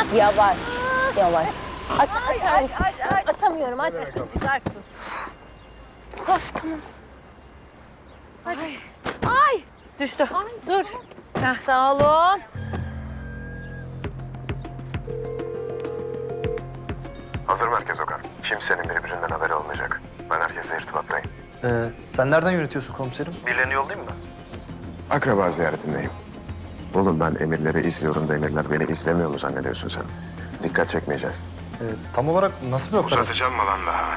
Yavaş, yavaş. Aç, Aç. Açamıyorum, aç. Çıkarsın. Of, tamam. Hadi. Ay. Düştü. Dur. Heh, sağ olun. Hazır merkez Okan. Kimsenin birbirinden haberi olmayacak. Ben herkesle irtibattayım. Sen nereden yönetiyorsun komiserim? Birilerini yollayayım mı? Akraba ziyaretindeyim. Oğlum ben emirleri izliyorum da emirler beni izlemiyor mu zannediyorsun sen? Dikkat çekmeyeceğiz. Tam olarak nasıl bir operasyon? Uzatacağım mı lan daha?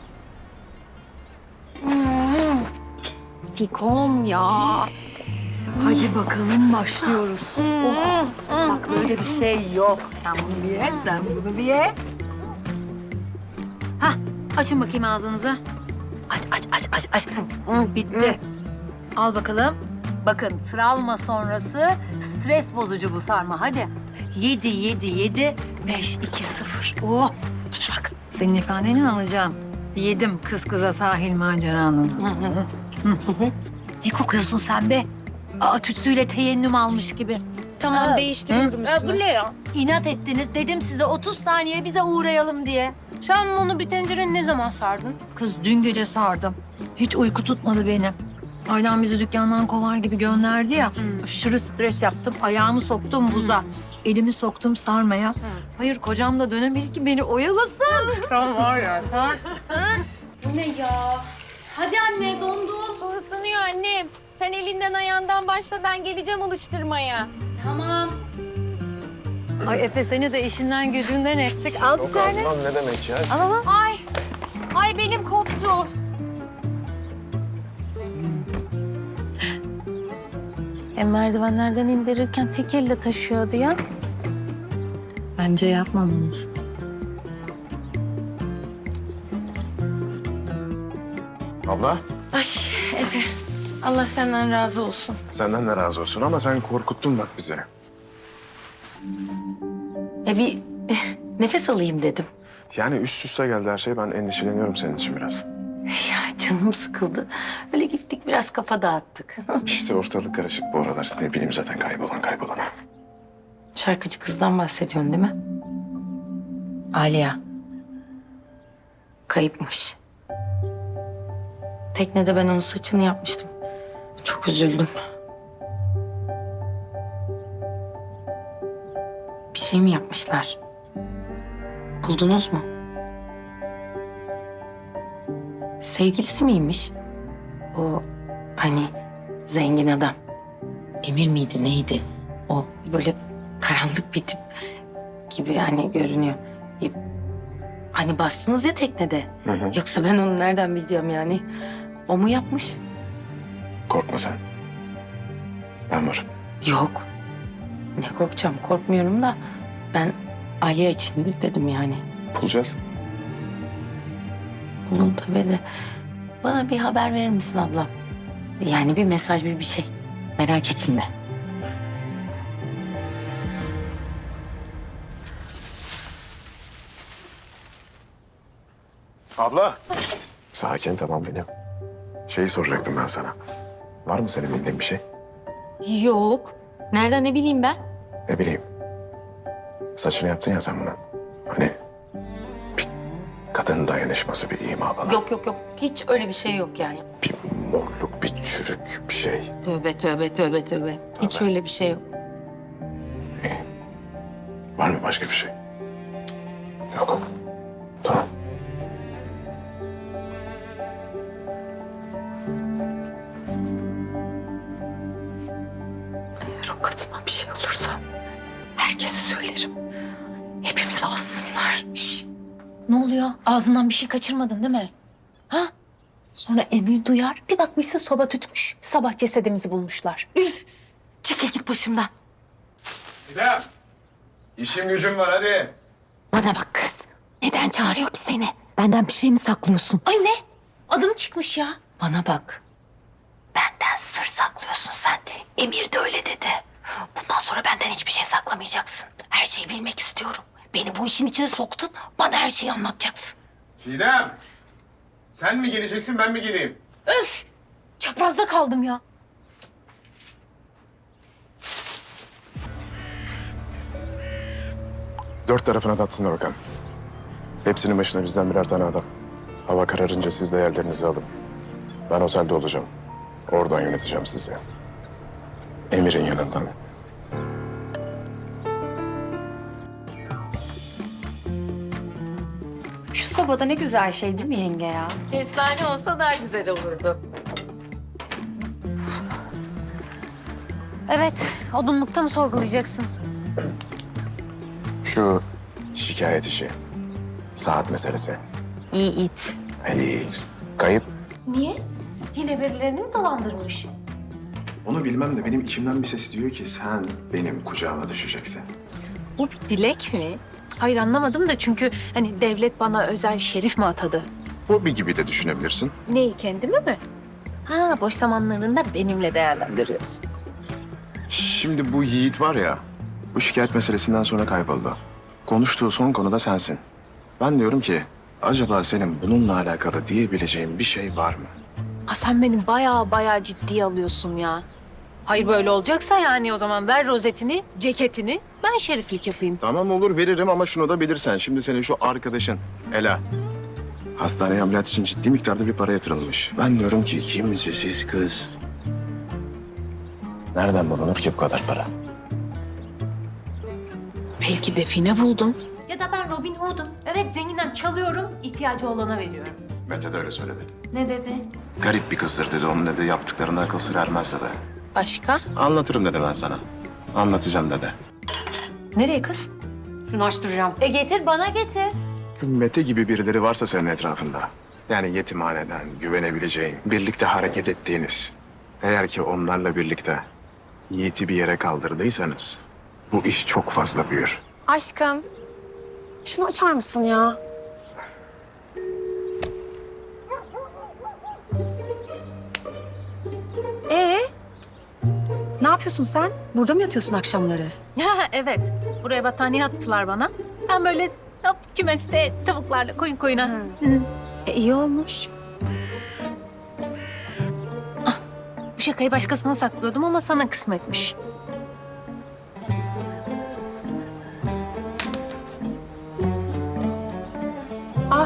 Fikom ya. Hadi bakalım başlıyoruz. Oh. Bak böyle bir şey yok. Sen bunu bir ye, sen bunu bir ye. Hah, açın bakayım ağzınızı. Aç. Bitti. Al bakalım. Bakın travma sonrası stres bozucu bu sarma. Hadi. 7, 5, 2, 0. Oh. Bana bak. Senin ifadeni alacağım. Yedim kız kıza sahil maceranızı. Ne kokuyorsun sen be? Tütsüyle teyennüm almış gibi. Tamam, değiştiriyorum üstümü. Bu ne ya? İnat ettiniz. Dedim size 30 saniye bize uğrayalım diye. Sen onu bir tencerenin ne zaman sardın? Kız dün gece sardım. Hiç uyku tutmadı benim. Aydan bizi dükkandan kovar gibi gönderdi ya. Aşırı stres yaptım. Ayağımı soktum buza. Elimi soktum sarmaya. Hayır kocam da dönemedi ki beni oyalasın. Ne ya? Hadi anne dondum. Su ısınıyor annem. Sen elinden ayağından başla, ben geleceğim alıştırmaya. Tamam. Ay Efe seni de işinden gücünden ettik. Al bir tane. Lan ne demek ya? Ay benim koptu. Merdivenlerden indirirken tek elle taşıyordu ya. Bence yapmamamız. Abla Ay Efe, Allah senden razı olsun. senden de razı olsun ama sen korkuttun bak bizi. Bir nefes alayım dedim. Yani üst üste geldi her şey, ben endişeleniyorum senin için biraz. Ya canım sıkıldı. Öyle gittik biraz kafa dağıttık. İşte ortalık karışık bu aralar. Ne bileyim zaten kaybolana. Şarkıcı kızdan bahsediyorsun değil mi? Aliya. Kayıpmış. Teknede ben onun saçını yapmıştım. Çok üzüldüm. Bir şey mi yapmışlar? Buldunuz mu? Sevgilisi miymiş? O hani zengin adam. Emir miydi neydi? O böyle karanlık bir tip gibi hani görünüyor. Hani bastınız ya teknede. Hı. Yoksa ben onu nereden bileceğim yani? O mu yapmış? Korkma sen. Ben varım. Yok. Ne korkacağım? Korkmuyorum da ben Aliye için dedim yani. Bulacağız. Bulun tabii de. Bana bir haber verir misin ablam? Yani bir mesaj, bir şey. Merak ettim ben. Abla. Sakin, tamam benim. Şeyi soracaktım ben sana. Var mı senin bildiğin bir şey? Yok. Nereden ne bileyim ben? Ne bileyim. Saçını yaptın ya sen bunu. Hani bir kadın dayanışması, bir ima falan. Yok. Hiç öyle bir şey yok yani. Bir morluk, bir çürük, bir şey. Tövbe. Hiç öyle bir şey yok. Var mı başka bir şey? Yok. Tamam. Eğer o kadına bir şey olursa herkese söylerim. Hepimizi alsınlar. Şş. Ne oluyor? Ağzından bir şey kaçırmadın değil mi? Ha? Sonra Emir duyar. Bir bakmışsın soba tütmüş. Sabah cesedimizi bulmuşlar. Üf! Çekil git başımdan. İrem. İşim gücüm var hadi. Bana bak kız. Neden çağırıyor ki seni? Benden bir şey mi saklıyorsun? Ay ne? Adım çıkmış ya. Bana bak. Benden sır saklıyorsun sen. Emir de öyle dedi. Bundan sonra benden hiçbir şey saklamayacaksın. Her şeyi bilmek istiyorum. Beni bu işin içine soktun. Bana her şeyi anlatacaksın. Çiğdem. Sen mi geleceksin, ben mi geleyim? Öf! Çaprazda kaldım ya. Dört tarafına datsınlar bakalım. Hepsinin başına bizden birer tane adam. Hava kararınca siz de yerlerinizi alın. Ben otelde olacağım. Oradan yöneteceğim sizi. Emir'in yanından. Şu sobada ne güzel şey değil mi yenge ya? Kestane olsa daha güzel olurdu. Evet, odunlukta mı sorgulayacaksın? Şu şikayet işi. Saat meselesi. İyi it. Halit. Kayıp. Niye? Yine birilerini mi dolandırmış? Onu bilmem de benim içimden bir ses diyor ki sen benim kucağıma düşeceksin. Bu bir dilek mi? Hayır anlamadım da çünkü hani devlet bana özel şerif mi atadı? Hobi gibi de düşünebilirsin. Neyi kendimi mi? Ha boş zamanlarında benimle değerlendiriyorsun. Şimdi bu Yiğit var ya, bu şikayet meselesinden sonra kayboldu. Konuştuğu son konu da sensin. Ben diyorum ki, acaba senin bununla alakalı diyebileceğin bir şey var mı? Ha sen beni bayağı ciddiye alıyorsun ya. Hayır böyle olacaksa yani o zaman ver rozetini, ceketini ben şeriflik yapayım. Tamam olur veririm ama şunu da bilirsen. Şimdi senin şu arkadaşın Ela. Hastaneye ameliyat için ciddi miktarda bir para yatırılmış. Ben diyorum ki kimsesiz kız. Nereden bulunur ki bu kadar para? Belki define buldum. Ya da ben Robin Hood'um. Evet zenginden çalıyorum, ihtiyacı olana veriyorum. Mete de öyle söyledi. Ne dedi? Garip bir kızdır dedi. Onun dedi yaptıklarında akıl sır ermez dedi. Başka? Anlatırım dedi ben sana. Anlatacağım dedi. Nereye kız? Şunu açtıracağım. Getir bana getir. Mete gibi birileri varsa senin etrafında. Yani yetimhaneden güvenebileceğin, birlikte hareket ettiğiniz. Eğer ki onlarla birlikte Yiğit'i bir yere kaldırdıysanız bu iş çok fazla büyür. Aşkım, şunu açar mısın ya? Ne yapıyorsun sen? Burada mı yatıyorsun akşamları? Evet. Buraya battaniye attılar bana. Ben böyle hop, kümeste tavuklarla koyun koyuna. İyi olmuş. Bu şakayı başkasına saklıyordum ama sana kısmetmiş. Ah.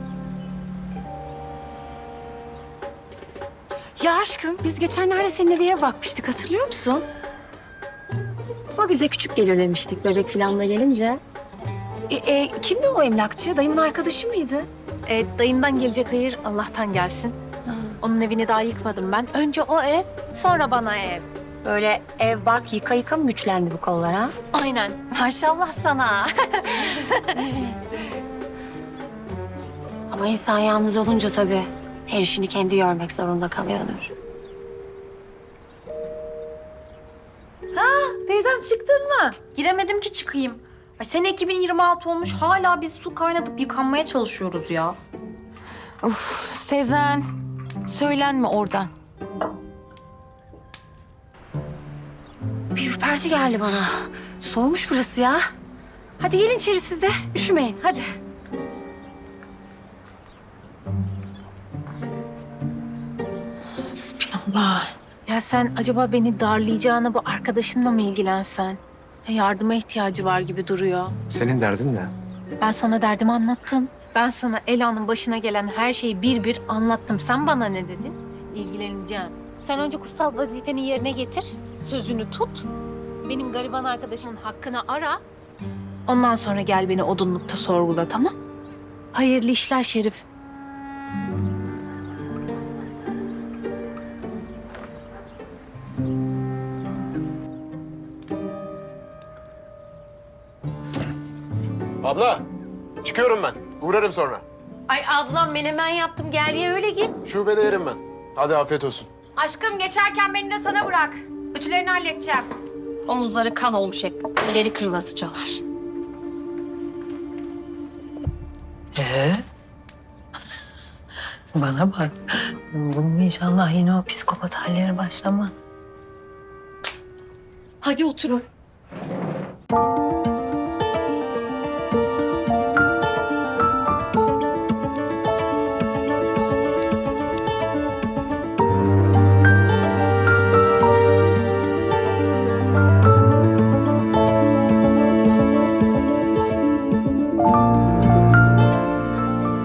Ya aşkım, biz geçenlerde seninle bir eve bakmıştık, hatırlıyor musun? Ama bize küçük gelir demiştik bebek filanla gelince. Kimdi o emlakçı? Dayımın arkadaşı mıydı? Dayından gelecek hayır Allah'tan gelsin. Onun evini daha yıkmadım ben. Önce o ev, sonra bana ev. Böyle ev bark yıka yıka mı güçlendi bu kollar ha? Aynen. Maşallah sana. Ama insan yalnız olunca tabii her işini kendi görmek zorunda kalıyordur. Teyzem çıktın mı? Giremedim ki çıkayım. Ay sene 2026 olmuş hala biz su kaynatıp yıkanmaya çalışıyoruz ya. Of Sezen, söylenme oradan. Bir ürperti geldi bana. Soğumuş burası ya. Hadi gelin içeri siz de. Üşümeyin hadi. Hasbinallah. Ya sen acaba beni darlayacağına bu arkadaşınla mı ilgilensen? Yardıma ihtiyacı var gibi duruyor. Senin derdin ne? Ben sana derdimi anlattım. Ben sana Ela'nın başına gelen her şeyi bir bir anlattım. Sen bana ne dedin? İlgileneceğim. Sen önce kutsal vazifeni yerine getir. Sözünü tut. Benim gariban arkadaşımın hakkını ara. Ondan sonra gel beni odunlukta sorgula, tamam? Hayırlı işler Şerif. Abla, çıkıyorum ben. Uğrarım sonra. Ay ablam menemen yaptım gel ye öyle git. Şubede yerim ben. Hadi afiyet olsun. Aşkım geçerken beni de sana bırak. Ütülerini halledeceğim. Omuzları kan olmuş hep. Elleri kırılasıcalar. Bana bak. Bunun inşallah yine o psikopat halleri başlamaz. Hadi oturun.